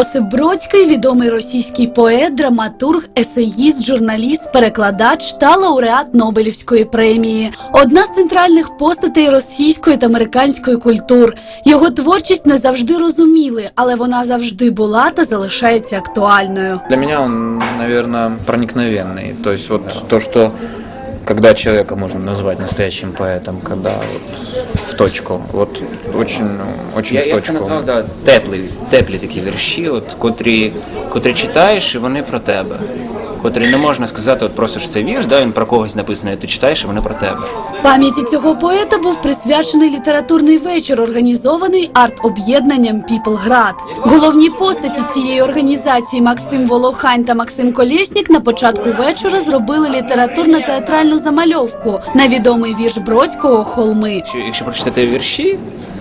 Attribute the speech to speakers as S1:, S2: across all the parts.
S1: Йосип Бродський – відомий російський поет, драматург, есеїст, журналіст, перекладач та лауреат Нобелівської премії. Одна з центральних постатей російської та американської культур. Його творчість не завжди розуміли, але вона завжди була та залишається актуальною.
S2: Для меня он, наверное, проникновенный. То есть вот то, что когда человека можно назвать настоящим поэтом, когда вот в точку, вот очень в точку.
S3: Я це назвав, да, теплі такі вірші, от, котрі читаєш, і вони про тебе. Котрі не можна сказати, от просто, що це вірш, да, він про когось написаний, ти читаєш, і вони про тебе.
S1: Пам'яті цього поета був присвячений літературний вечір, організований арт-об'єднанням «Піплград». Головні постаті цієї організації Максим Волохань та Максим Колєснік на початку вечора зробили літературно-театральну замальовку на відомий вірш Бродського «Холми».
S3: Якщо прочитати вірші,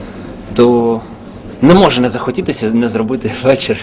S3: то не може не захотітися не зробити вечір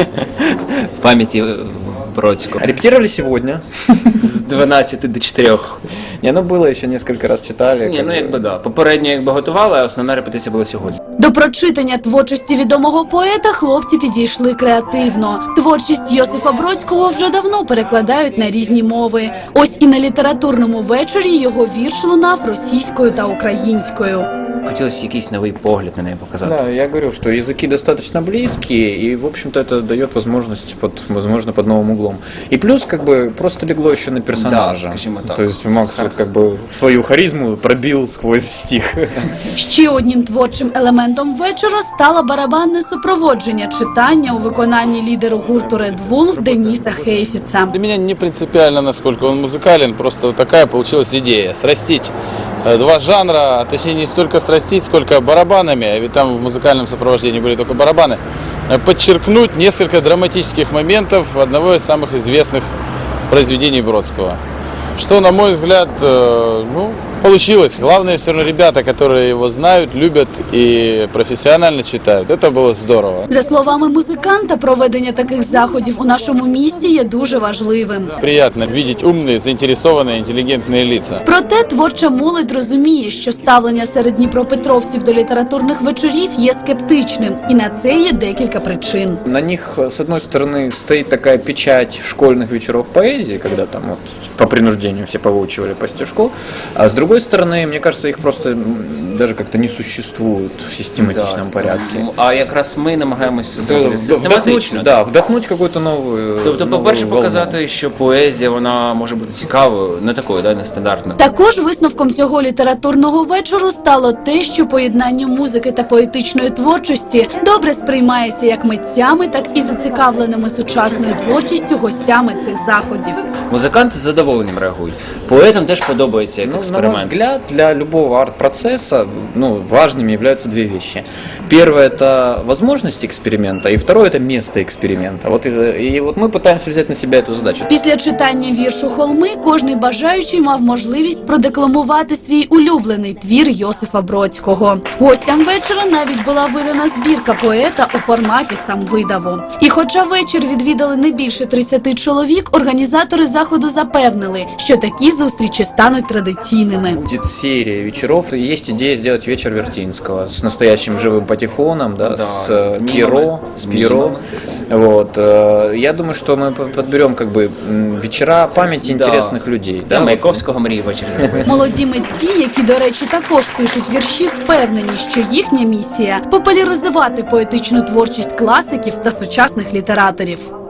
S3: в пам'яті Бродського.
S2: Репетировали сегодня.
S3: З 12 до 4.
S2: Не, ну было еще несколько раз читали.
S3: Ні, ну якби да. Попередньо готували, а основна репетиція була сьогодні.
S1: До прочитання творчості відомого поета хлопці підійшли креативно. Творчість Йосифа Бродського вже давно перекладають на різні мови. Ось і на літературному вечорі його вірш лунав російською та українською.
S3: Хотілося якийсь новий погляд на неї показати.
S2: Да, я говорю, что языки достаточно близкие, и, в общем-то, это дает возможность, возможно, под новым углом. И плюс, как бы, просто легло еще на персонажа.
S3: Да, скажімо так.
S2: То есть Макс вот, как бы, свою харизму пробил сквозь стих.
S1: Ще одним творчим елементом вечора стало барабанне супроводження читання у виконанні лідеру гурту Red Wolf Дениса Хейфіца.
S4: Для меня не принципиально, насколько он музыкален, просто вот такая получилась идея – срастить два жанра, точнее не столько срастить, сколько барабанами, а ведь там в музыкальном сопровождении были только барабаны, подчеркнуть несколько драматических моментов одного из самых известных произведений Бродского. Что, на мой взгляд, получилось. Главное, все равно ребята, которые его знают, любят и профессионально читают. Это было здорово.
S1: За словами музиканта, проведення таких заходів у нашому місті є дуже важливим.
S4: Приятно видеть умные, заинтересованные, интеллигентные лица.
S1: Проте творча молодь розуміє, що ставлення серед дніпропетровців до літературних вечорів є скептичним, і на це є декілька причин.
S2: На них, с одной стороны, стоит такая печать школьных вечеров поэзии, когда там вот по принуждению все повыучивали по стишку, а с другой стороны, мне кажется, их просто даже как-то не существует в систематичном порядке.
S3: А якраз ми намагаємося зробити систематично.
S2: Вдохнуть какую-то новую.
S3: Тобто, по-перше, показати, що поезія, вона може бути цікавою, не такою, да, нестандартною.
S1: Також висновком цього літературного вечору стало те, що поєднання музики та поетичної творчості добре сприймається як митцями, так і зацікавленими сучасною творчістю гостями цих заходів.
S3: Музиканти з задоволенням реагують. Поетам теж подобається як
S2: На мой
S3: експеримент.
S2: взгляд, для любого арт-процесса важными являются две вещи. Первое – это возможность эксперимента, и второе – это место эксперимента. Вот мы пытаемся взять на себя эту задачу.
S1: Після читання віршу «Холми» кожний бажаючий мав можливість продекламувати свій улюблений твір Йосифа Бродського. Гостям вечора навіть була видана збірка поета у форматі самвидаву. І хоча вечір відвідали не більше 30 чоловік, організатори заходу запевнили, що такі зустрічі стануть традиційними.
S2: Будет серия вечеров. Есть идея сделать вечер Вертинского с настоящим живым патефоном, да, с Пьеро. Вот. Я думаю, что мы подберем как бы вечера памяти интересных людей.
S3: Да, Маяковського мрії вечір зробити.
S1: Молоді митці, які, до речі, також пишуть вірші, впевнені, що їхня місія – популяризувати поетичну творчість класиків та сучасних літераторів.